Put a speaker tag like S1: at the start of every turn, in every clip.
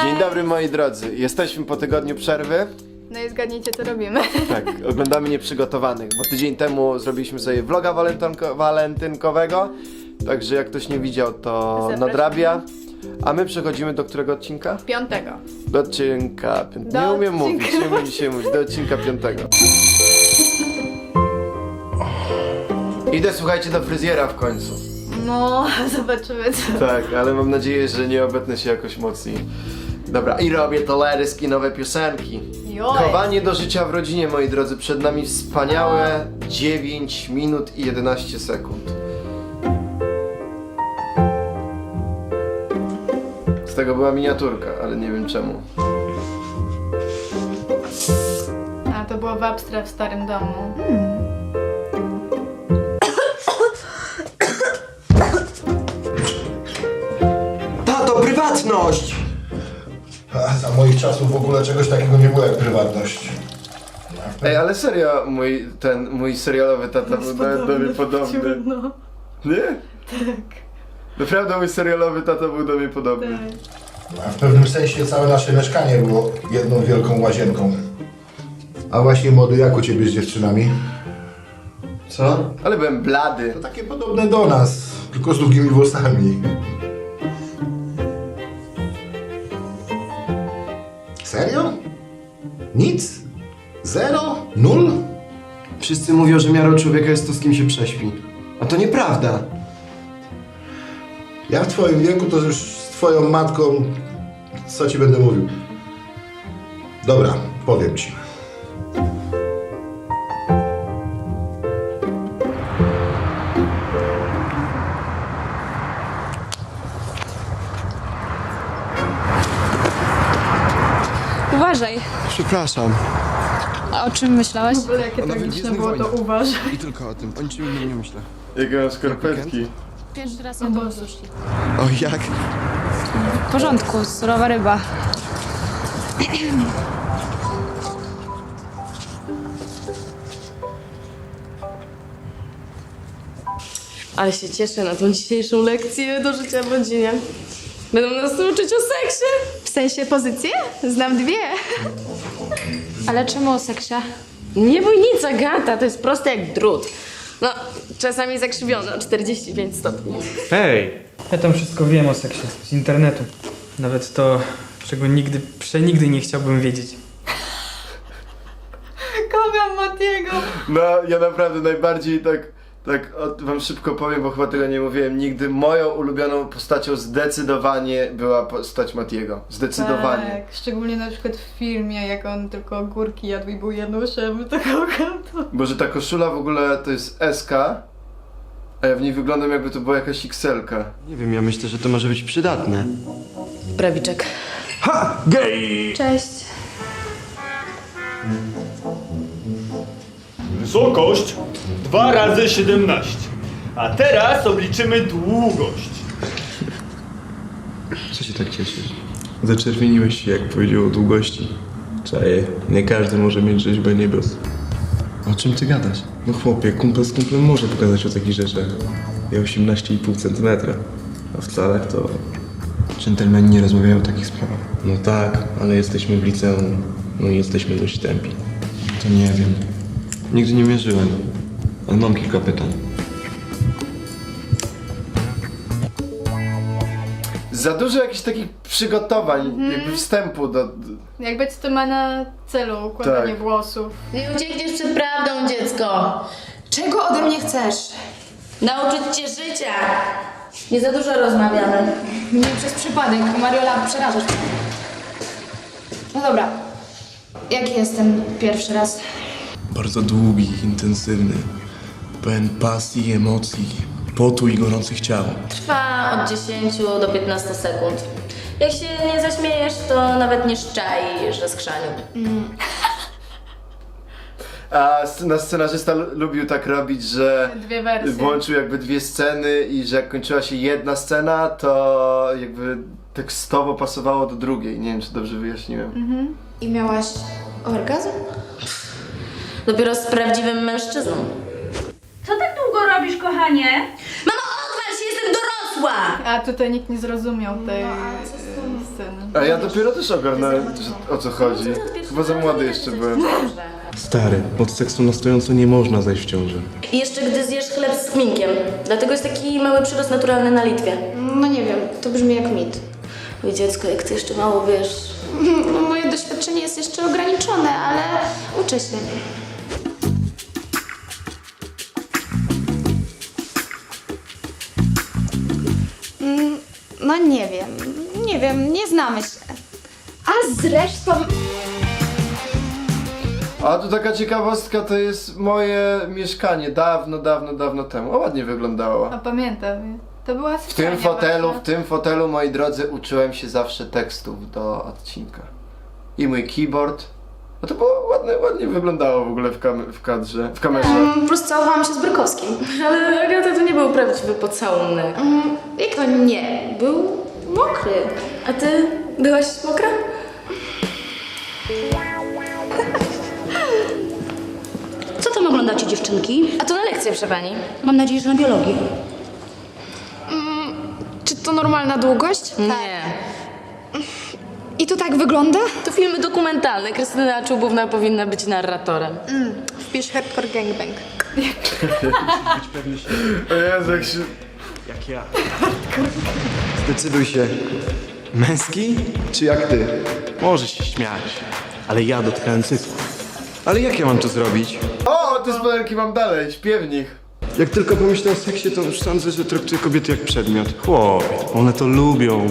S1: Dzień dobry moi drodzy, jesteśmy po tygodniu przerwy.
S2: No i zgadnijcie co robimy.
S1: Tak, oglądamy Nieprzygotowanych, bo tydzień temu zrobiliśmy sobie vloga walentynkowego. Także jak ktoś nie widział, to
S2: Zapraszam.
S1: nadrabia. A my przechodzimy do którego odcinka?
S2: 5.
S1: Do odcinka 5.
S2: Do
S1: Nie umiem
S2: odcinka.
S1: mówić, nie umiem dzisiaj mówić. Do odcinka 5. Idę, słuchajcie, do fryzjera w końcu.
S2: No, zobaczymy co.
S1: Tak, ale mam nadzieję, że nie obetnę się jakoś mocniej. Dobra, i robię teledyski, nowe piosenki.
S2: Joj.
S1: Chowanie do życia w rodzinie, moi drodzy. Przed nami wspaniałe 9 minut i 11 sekund. Z tego była miniaturka, ale nie wiem czemu.
S2: A to było w Abstra w starym domu.
S3: Tato, prywatność!
S4: A za moich czasów w ogóle czegoś takiego nie było jak prywatność.
S1: Ej, ale serio, mój serialowy tata był do mnie podobny.
S2: No,
S1: Nie?
S2: tak,
S1: Naprawdę mój serialowy tata był do mnie podobny.
S2: tak.
S4: A w pewnym sensie całe nasze mieszkanie było jedną wielką łazienką. A właśnie młody, jak u ciebie z dziewczynami?
S1: Co? Ale byłem blady.
S4: To takie podobne do nas, tylko z długimi włosami. Serio? Nic? Zero? Nul?
S3: Wszyscy mówią, że miarą człowieka jest to, z kim się prześpi. A to nieprawda.
S4: Ja w twoim wieku to już z twoją matką, co ci będę mówił? Dobra, powiem ci.
S5: Uważaj.
S3: Przepraszam.
S5: A o czym myślałeś?
S2: W ogóle jakie
S3: Ona
S2: tragiczne
S3: Gwiezdnych
S2: było to
S3: Wojnach.
S2: uważaj.
S3: I tylko o tym. O niczym innym nie myślę.
S1: Jakie mam skarpetki.
S5: Pierwszy raz
S2: O
S5: ją
S2: Boże.
S5: sushi.
S3: O jak?
S5: W porządku, surowa ryba.
S6: Ale się cieszę na tą dzisiejszą lekcję do życia w rodzinie. Będą nas uczyć o seksie.
S2: W sensie pozycje? Znam dwie.
S5: Ale czemu o seksie?
S6: Nie bój nic, Agata, to jest proste jak drut. No, czasami zakrzywione o 45 stopni.
S7: Hej! Ja tam wszystko wiem o seksie z internetu. Nawet to, czego nigdy, przenigdy nie chciałbym wiedzieć.
S2: Kocham Matiego.
S1: No, ja naprawdę najbardziej wam szybko powiem, bo chyba tego nie mówiłem nigdy. Moją ulubioną postacią zdecydowanie była postać Matiego. Zdecydowanie.
S2: Tak, szczególnie na przykład w filmie, jak on tylko ogórki jadł i był Januszem, to kocham to.
S1: Bo że ta koszula w ogóle to jest SK, a ja w niej wyglądam jakby to była jakaś XL-ka.
S3: Nie wiem, ja myślę, że to może być przydatne.
S6: Prawiczek.
S5: Cześć.
S8: Wysokość 2 razy 17. A teraz obliczymy długość.
S9: Co się tak cieszysz? Zaczerwieniłeś się, jak powiedział o długości. Czaję, nie każdy może mieć rzeźbę niebios.
S3: O czym ty gadasz?
S9: No chłopie, kumpel z kumplem może pogadać o takich rzeczach. Ja 18,5 cm. A w calach to...
S3: Dżentelmeni nie rozmawiają o takich sprawach.
S9: No tak, ale jesteśmy w liceum. No i jesteśmy dość tępi.
S3: To nie wiem. Nigdy nie mierzyłem. Ale mam kilka pytań.
S1: Za dużo jakichś takich przygotowań, jakby wstępu do...
S2: Jakby co to ma na celu układanie
S1: Tak.
S2: włosów.
S6: Nie uciekniesz przed prawdą, dziecko.
S5: Czego ode mnie chcesz?
S6: Nauczyć cię życia. Nie za dużo rozmawiamy.
S5: Nie przez przypadek, Mariola, przerażasz mnie. No dobra. Jaki jest ten pierwszy raz?
S9: Bardzo długi, intensywny. Pełen pasji, emocji, potu i gorących ciał.
S6: Trwa od 10 do 15 sekund. Jak się nie zaśmiejesz, to nawet nie szczaj, że skrzaniu.
S1: A nasz scenarzysta lubił tak robić, że
S2: Dwie wersje.
S1: włączył jakby dwie sceny i że jak kończyła się jedna scena, to jakby tekstowo pasowało do drugiej. Nie wiem, czy dobrze wyjaśniłem.
S5: I miałaś orgazm?
S6: Dopiero z prawdziwym mężczyzną.
S10: Co tak długo robisz, kochanie?
S6: Mamo, odwal się, jestem dorosła!
S2: A tutaj nikt nie zrozumiał tej
S5: No, ale co z tym?
S2: sceny.
S1: A ja dopiero też ogarnąłem, o co chodzi. Chyba za młody jeszcze byłem.
S9: Stary, od seksu na stojąco nie można zajść w ciążę.
S6: I jeszcze gdy zjesz chleb z kminkiem. Dlatego jest taki mały przyrost naturalny na Litwie.
S5: No nie wiem, to brzmi jak mit.
S6: Oj dziecko, jak ty jeszcze mało wiesz.
S5: No, moje doświadczenie jest jeszcze ograniczone, ale uczę się. No nie wiem, nie znamy się. A zresztą...
S1: A tu taka ciekawostka, to jest moje mieszkanie dawno temu. O, ładnie wyglądało.
S2: A pamiętam, to była
S1: W tym fotelu, moi drodzy, uczyłem się zawsze tekstów do odcinka. I mój keyboard. No to było ładnie wyglądało w ogóle w kadrze, w kamerze.
S5: Po prostu całowałam się z Brykowskim.
S6: Ale Agata, to nie był prawdziwy pocałunek.
S5: Jak to nie? Był mokry.
S6: A ty byłaś mokra?
S10: Co tam oglądacie, dziewczynki?
S6: A to na lekcję, proszę pani.
S10: Mam nadzieję, że na biologii.
S5: Czy to normalna długość?
S6: Nie.
S5: I to tak wygląda?
S6: To filmy dokumentalne. Krystyna Czubówna powinna być narratorem.
S5: Wpisz hardcore gangbang.
S1: O Jezu, jak się...
S9: Jak ja.
S3: Zdecyduj się. Męski czy jak ty?
S9: Możesz się śmiać, ale ja dotknąłem cycku.
S3: Ale jak ja mam to zrobić?
S1: O, te spodenki mam dalej, śpiewnik.
S3: Jak tylko pomyślę o seksie, to już sądzę, że traktuję kobiety jak przedmiot. Chłopie, one to lubią.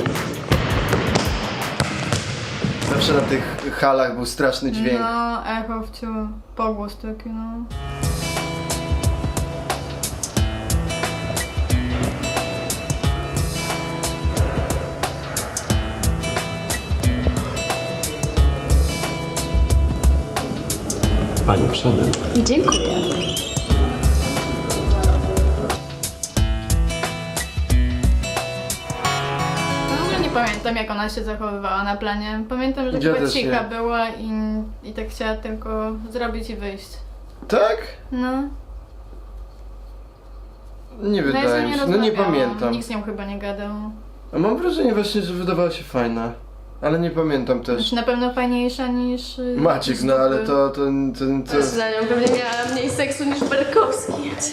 S1: Zawsze na tych halach był straszny dźwięk.
S2: No, echo w ciu, pogłos taki, no.
S3: Pani przodem.
S5: Dziękuję.
S2: W ogóle nie pamiętam, jak ona się zachowywała na planie. Pamiętam, że
S1: Ja
S2: chyba
S1: też
S2: cicha
S1: nie.
S2: była i tak chciała tylko zrobić i wyjść.
S1: Tak?
S2: No.
S1: Nie
S2: No ja z
S1: wydaje
S2: nią
S1: mi
S2: nie
S1: się, no nie
S2: rozmawiałam.
S1: pamiętam.
S2: Nikt z nią chyba nie gadał.
S1: A mam wrażenie właśnie, że wydawała się fajna. Ale nie pamiętam też.
S2: Znaczy na pewno fajniejsza niż...
S1: Maciek, no ale to...
S6: Za nią pewnie miała mniej seksu niż Berkowski.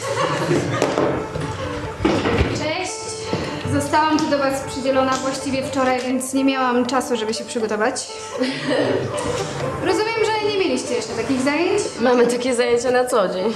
S11: Cześć! Zostałam tu do Was przydzielona właściwie wczoraj, więc nie miałam czasu, żeby się przygotować. Rozumiem, że nie mieliście jeszcze takich zajęć?
S6: Mamy takie zajęcia na co dzień.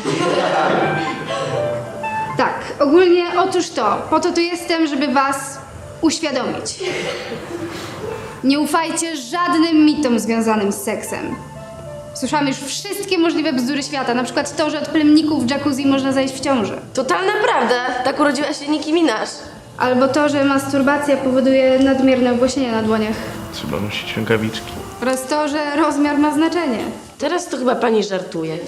S11: Tak, ogólnie otóż to. Po to tu jestem, żeby Was uświadomić. Nie ufajcie żadnym mitom związanym z seksem. Słyszałam już wszystkie możliwe bzdury świata, na przykład to, że od plemników w jacuzzi można zajść w ciąży.
S6: Totalna prawda. Tak urodziła się Nicki Minaj.
S11: Albo to, że masturbacja powoduje nadmierne obłaśnienie na dłoniach.
S9: Trzeba nosić rękawiczki.
S11: Oraz to, że rozmiar ma znaczenie.
S6: Teraz to chyba pani żartuje.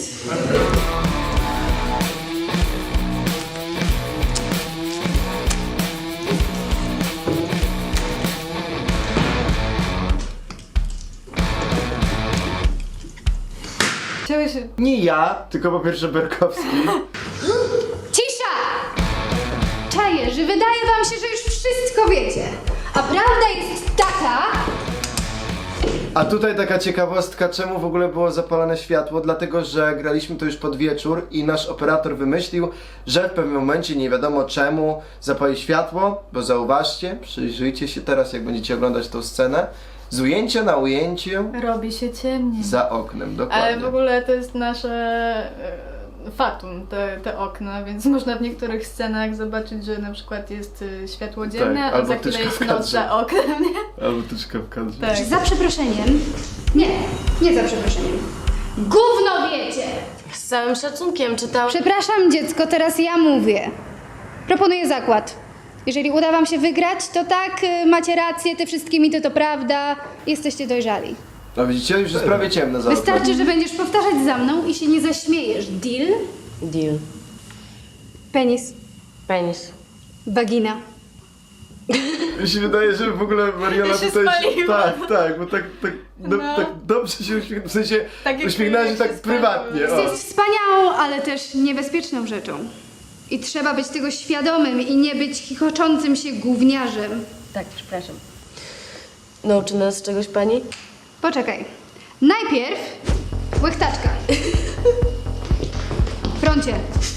S2: Chciałeś...
S1: Nie ja, tylko po pierwsze Berkowski.
S11: Cisza! Czaję, że wydaje wam się, że już wszystko wiecie. A prawda jest taka...
S1: A tutaj taka ciekawostka, czemu w ogóle było zapalone światło? Dlatego, że graliśmy to już pod wieczór i nasz operator wymyślił, że w pewnym momencie, nie wiadomo czemu, zapali światło, bo zauważcie, przyjrzyjcie się teraz, jak będziecie oglądać tą scenę, z ujęcia na ujęciu
S2: Robi się ciemniej.
S1: za oknem, dokładnie.
S2: Ale w ogóle to jest nasze fatum, te okna, więc można w niektórych scenach zobaczyć, że na przykład jest światło dzienne,
S1: Tak,
S2: a
S1: albo
S2: za chwilę
S1: tyczka
S2: jest
S1: w
S2: noc
S1: kadrze.
S2: za oknem, nie?
S1: Albo tyczka w kadrze.
S2: Tak.
S11: Za przeproszeniem... Nie za przeproszeniem. Gówno wiecie!
S6: Z całym szacunkiem czytał...
S11: Przepraszam dziecko, teraz ja mówię. Proponuję zakład. Jeżeli uda wam się wygrać, to tak, macie rację, te wszystkie mity to prawda, jesteście dojrzali.
S1: No widzicie, już jest prawie ciemno za oknem.
S11: Wystarczy, że będziesz powtarzać za mną i się nie zaśmiejesz. Deal?
S6: Deal.
S11: Penis.
S6: Penis.
S11: Wagina.
S1: Mi się wydaje, że w ogóle Mariola
S2: Ja się
S1: tutaj...
S2: spaliłam.
S1: Tak, bo tak dobrze się uśmiechnęła, w sensie
S2: Tak jak
S1: uśmiechnęła się
S2: się
S1: tak
S2: spaliłam.
S1: prywatnie. O.
S11: Jest wspaniałą, ale też niebezpieczną rzeczą. I trzeba być tego świadomym i nie być chichoczącym się gówniarzem.
S6: Tak, przepraszam. Nauczy nas czegoś pani?
S11: Poczekaj. Najpierw łechtaczka. Froncie.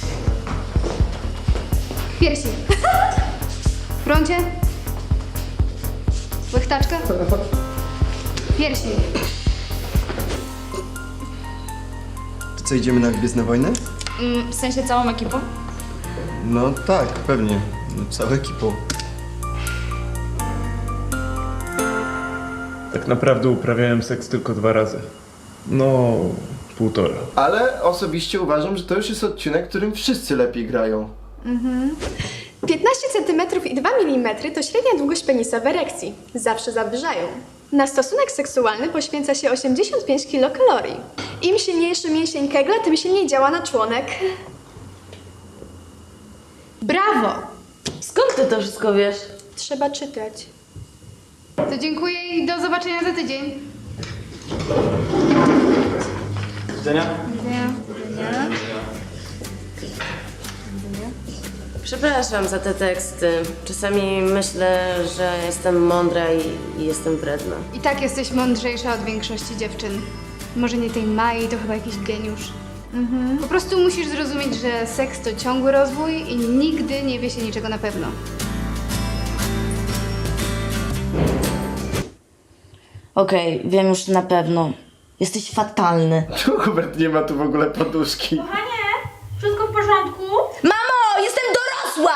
S11: Piersi. Froncie. Łechtaczka. Piersi.
S3: To co, idziemy na Gwiezdne Wojny?
S5: W sensie całą ekipą?
S3: No tak, pewnie. Całą ekipą.
S9: Tak naprawdę uprawiałem seks tylko 2 razy. No, 1,5.
S1: Ale osobiście uważam, że to już jest odcinek, którym wszyscy lepiej grają.
S12: 15 cm i 2 mm to średnia długość penisa w erekcji. Zawsze zawyżają. Na stosunek seksualny poświęca się 85 kilokalorii. Im silniejszy mięsień kegla, tym silniej działa na członek.
S11: Brawo!
S6: Skąd ty to wszystko wiesz?
S12: Trzeba czytać.
S11: To dziękuję i do zobaczenia za tydzień.
S7: Widzenia?
S6: Przepraszam za te teksty. Czasami myślę, że jestem mądra i jestem wredna.
S11: I tak jesteś mądrzejsza od większości dziewczyn. Może nie tej Mai, to chyba jakiś geniusz. Po prostu musisz zrozumieć, że seks to ciągły rozwój i nigdy nie wie się niczego na pewno.
S6: Okej, wiem już na pewno. Jesteś fatalny.
S1: Czemu Hubert nie ma tu w ogóle poduszki?
S10: Kochanie, wszystko w porządku?
S6: Mamo, jestem dorosła!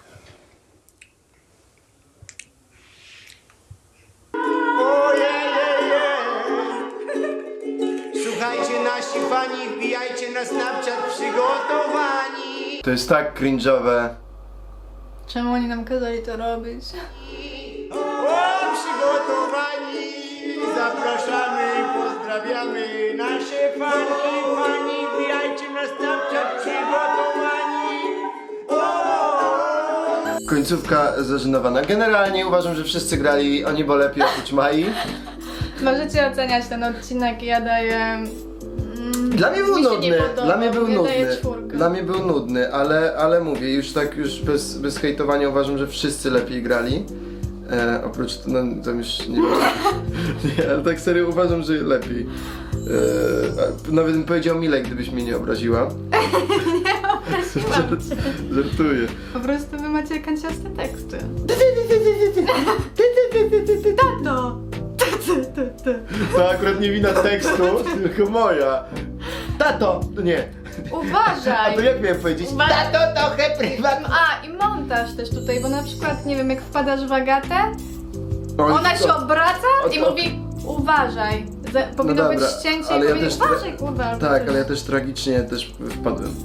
S13: Słuchajcie, nasi fani, wbijajcie na Snapchat przygotowani.
S1: To jest tak cringe'owe.
S2: Czemu oni nam kazali to robić?
S13: O, przygotowani. Zapraszamy i pozdrawiamy nasze fani, wbijajcie na Snapchat przygotowani.
S1: Końcówka zażenowana. Generalnie uważam, że wszyscy grali o niebo lepiej oprócz Mai.
S2: Możecie oceniać ten odcinek, ja daję...
S1: Dla mnie był
S2: Mi się nie
S1: nudny,
S2: podobał,
S1: dla mnie był
S2: ja daję
S1: nudny.
S2: 4.
S1: Dla mnie był nudny, ale mówię, już tak bez hejtowania uważam, że wszyscy lepiej grali. Oprócz, no to już nie wiem. Nie, ale tak serio uważam, że lepiej. Nawet bym powiedział Milej, gdybyś mnie nie obraziła.
S2: Nie obraziłam cię.
S1: Żartuję.
S2: Po prostu wy macie kanciaste teksty. Tato!
S1: To akurat nie wina tekstu, tylko moja. Tato! No nie. A
S2: Uważaj!
S1: to jak miałem powiedzieć?
S2: Uważaj.
S1: Tato, trochę prywatnie.
S2: A, i montaż też tutaj, bo na przykład, nie wiem, jak wpadasz w Agatę,
S1: Oj,
S2: ona się
S1: to-
S2: obraca i
S1: o-
S2: mówi uważaj. Powinno być
S1: dobra,
S2: ścięcie
S1: ale
S2: i
S1: ja
S2: powie
S1: też
S2: uważaj, kurwa. albo
S1: Tak,
S2: coś.
S1: ale ja też tragicznie wpadłem.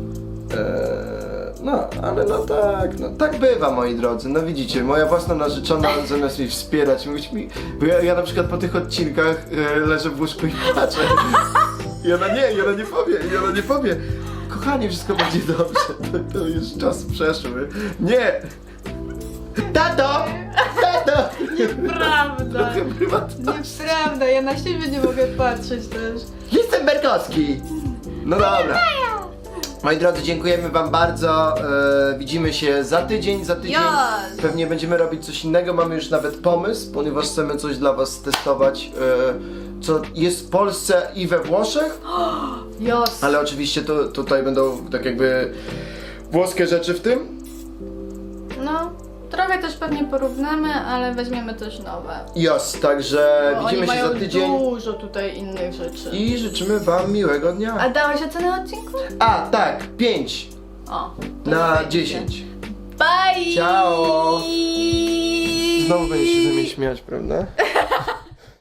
S1: No, ale no tak, no tak bywa, moi drodzy. No widzicie, moja własna narzeczona zamiast mnie wspierać, mówić mi, bo ja na przykład po tych odcinkach leżę w łóżku i płaczę. I ona nie powie, kochanie, wszystko będzie dobrze, to już czas przeszły. Nie! Tato! Tato!
S2: Nieprawda!
S1: Trochę prywatności.
S2: Nieprawda, ja na siebie nie mogę patrzeć też.
S1: Jestem Berkowski! No dobra. Moi drodzy, dziękujemy wam bardzo. Widzimy się za tydzień.
S2: Yes.
S1: Pewnie będziemy robić coś innego. Mamy już nawet pomysł, ponieważ chcemy coś dla was testować, co jest w Polsce i we Włoszech.
S2: Jos.
S1: Ale oczywiście tutaj będą tak jakby włoskie rzeczy w tym.
S2: No, trochę też pewnie porównamy, ale weźmiemy też nowe.
S1: Jos, także
S2: Bo
S1: widzimy
S2: oni
S1: się
S2: mają
S1: za tydzień.
S2: dużo tutaj innych rzeczy.
S1: I życzymy wam miłego dnia.
S2: A dałeś ocenę odcinku?
S1: A, tak, 5
S2: O. to
S1: na
S2: fajnie.
S1: 10.
S2: Bye!
S1: Ciao! Znowu będziesz się ze mnie śmiać, prawda?